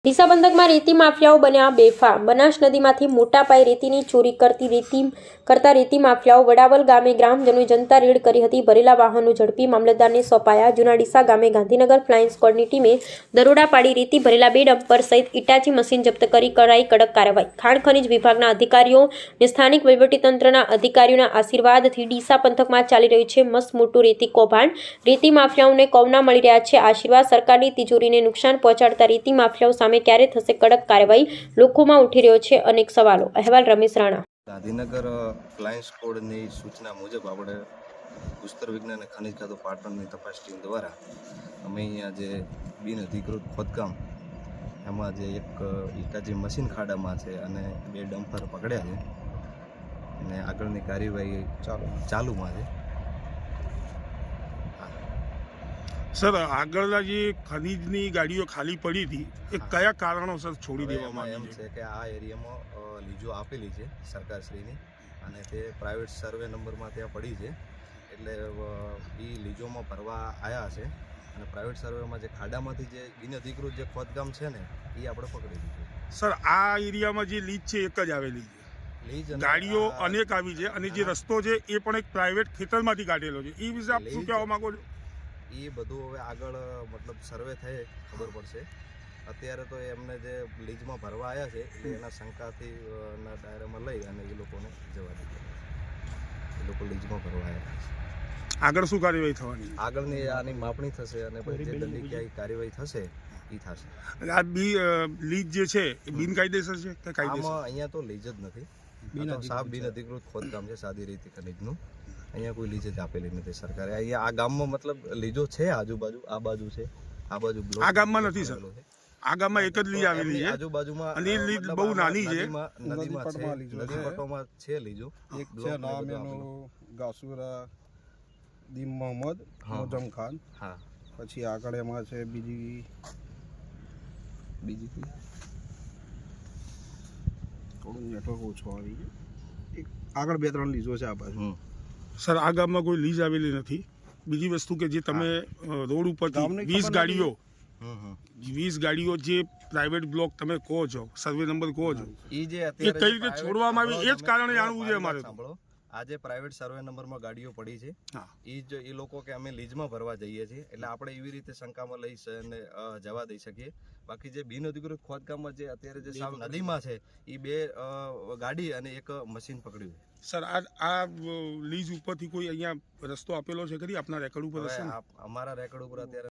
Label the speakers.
Speaker 1: ડીસા પંથકમાં રેતી માફિયાઓ બન્યા બેફામ। બનાસ નદીમાંથી મોટા પાયે રેતીની ચોરી કરતા રેતી માફિયાઓ વડાવલ ગામે ગ્રામજનોએ જનતા રેડ કરી હતી। ભરેલા વાહનો ઝડપી મામલતદારને સોંપાયા। જૂના ડીસા ગામે ગાંધીનગર ફ્લાઇંગ સ્ક્વોડની ટીમે દરોડા પાડી રેતી ભરેલા 2 ડમ્પર સહિત ઇટાચી મશીન જપ્ત કરી કરાઈ કડક કાર્યવાહી। ખાણ ખનીજ વિભાગના અધિકારીઓ અને સ્થાનિક વહીવટીતંત્રના અધિકારીઓના આશીર્વાદથી ડીસા પંથકમાં ચાલી રહ્યું છે મસ્ત મોટું રેતી કૌભાંડ। રેતી માફિયાઓને કૌના મળી રહ્યા છે આશીર્વાદ। સરકારની તિજોરીને નુકસાન પહોંચાડતા રેતી માફિયાઓ સામે ક્યારે થશે કડક કાર્યવાહી, લોકોમાં ઉઠી રહ્યો છે અનેક સવાલો। અહેવાલ રમેશ રાણા।
Speaker 2: ગાંધીનગર ફ્લાઇંગ સ્ક્વોડની સૂચના મુજબ આપણે ભૂસ્તર વિજ્ઞાન અને ખનિજ ખાતું પાટણની તપાસ ટીમ દ્વારા અમે અહીંયા જે બિનઅધિકૃત ખોદકામ એમાં જે એક ઇટાચી મશીન ખાડામાં છે અને 2 ડમ્પર પકડ્યા છે અને આગળની કાર્યવાહી ચાલુમાં છે।
Speaker 3: સર, આગળના જે ખનીજની ગાડીઓ ખાલી પડી હતી એ કયા કારણોસર છોડી દેવામાં
Speaker 2: એમ છે કે આ એરિયામાં લીજો આપેલી છે સરકારશ્રીની અને તે પ્રાઇવેટ સર્વે નંબરમાં ત્યાં પડી છે એટલે એ લીજોમાં ભરવા આવ્યા છે અને પ્રાઇવેટ સર્વેમાં જે ખાડામાંથી જે બિનઅધિકૃત જે ખોદકામ છે ને એ આપણે પકડી લીધું।
Speaker 3: સર, આ એરિયામાં જે લીજ છે એક જ આવેલી છે,
Speaker 2: લીજ
Speaker 3: ગાડીઓ અનેક આવી છે અને જે રસ્તો છે એ પણ એક પ્રાઇવેટ ખેતરમાંથી કાઢેલો છે, એ વિશે આપ શું કહેવા માંગો છો?
Speaker 2: એ બધું હવે આગળ મતલબ સર્વે થાય ખબર પડશે। અત્યારે તો એમને જે લીજમાં ભરવા આવ્યા છે એટલે એના શંકાથી ના દાયરામાં લઈ અને એ લોકોને જવા દીધા। એ લોકો લીજમાં ભરવા આવ્યા છે।
Speaker 3: આગળ શું કાર્યવાહી થવાની?
Speaker 2: આગળની આની માપણી થશે અને પછી જે દંડનીય કાર્યવાહી થશે એ થશે।
Speaker 3: આ લીજ જે છે એ બિનકાયદેસર છે કે કાયદેસર?
Speaker 2: અહીંયા તો લીજ જ નથી, સાફ બિનઅધિકૃત ખોદકામ છે સાદી રીતે ખનીજનું। અહીંયા કોઈ લીજ જ આપેલી નથી સરકારે। અહીંયા આ ગામમાં મતલબ લીજો છે આજુબાજુ, આ બાજુ છે, આ બાજુ બ્લોક
Speaker 3: આ ગામમાં નથી સર, આ ગામમાં એક જ લીજ આવેલી છે
Speaker 2: આજુબાજુમાં
Speaker 3: અને એ લીજ બહુ નાની છે।
Speaker 2: નદી પટોમાં છે લીજો,
Speaker 4: એક છે નામ એનું ગાસુરા દીમ મોહમ્મદ મોજમ ખાન,
Speaker 2: હા,
Speaker 4: પછી આગળ એમાં છે બીજી થોડું નેટવર્ક ઓછું આવી ગયું, એક આગળ 2-3 લીજો છે આ બાજુ।
Speaker 3: સર, આ ગામમાં કોઈ લીજ આવેલી નથી। બીજી વસ્તુ કે જે તમે રોડ ઉપરથી 20 ગાડીઓ જે પ્રાઇવેટ બ્લોક તમે કહો છો, સર્વે નંબર કહો છો,
Speaker 2: એ જે
Speaker 3: એ કઈ રીતે છોડવામાં આવી એ જ કારણે જાણવું છે અમારે।
Speaker 2: સાંભળો, આજે પ્રાઇવેટ સર્વે નંબરમાં ગાડીઓ પડી છે, એ લોકો કે અમે લીજમાં ભરવા જઈએ છીએ એટલે આપણે એવી રીતે શંકામાં લઈ અને જવા દઈ શકીએ। બાકી જે બિનઅધિકૃત ખોદકામમાં જે અત્યારે જે સાવ નદીમાં છે એ 2 ગાડી અને એક મશીન પકડ્યું છે।
Speaker 3: સર, આ લીજ ઉપરથી કોઈ અહીંયા રસ્તો આપેલો છે ખરી આપના રેકોર્ડ ઉપર?
Speaker 2: અમારા રેકોર્ડ ઉપર અત્યારે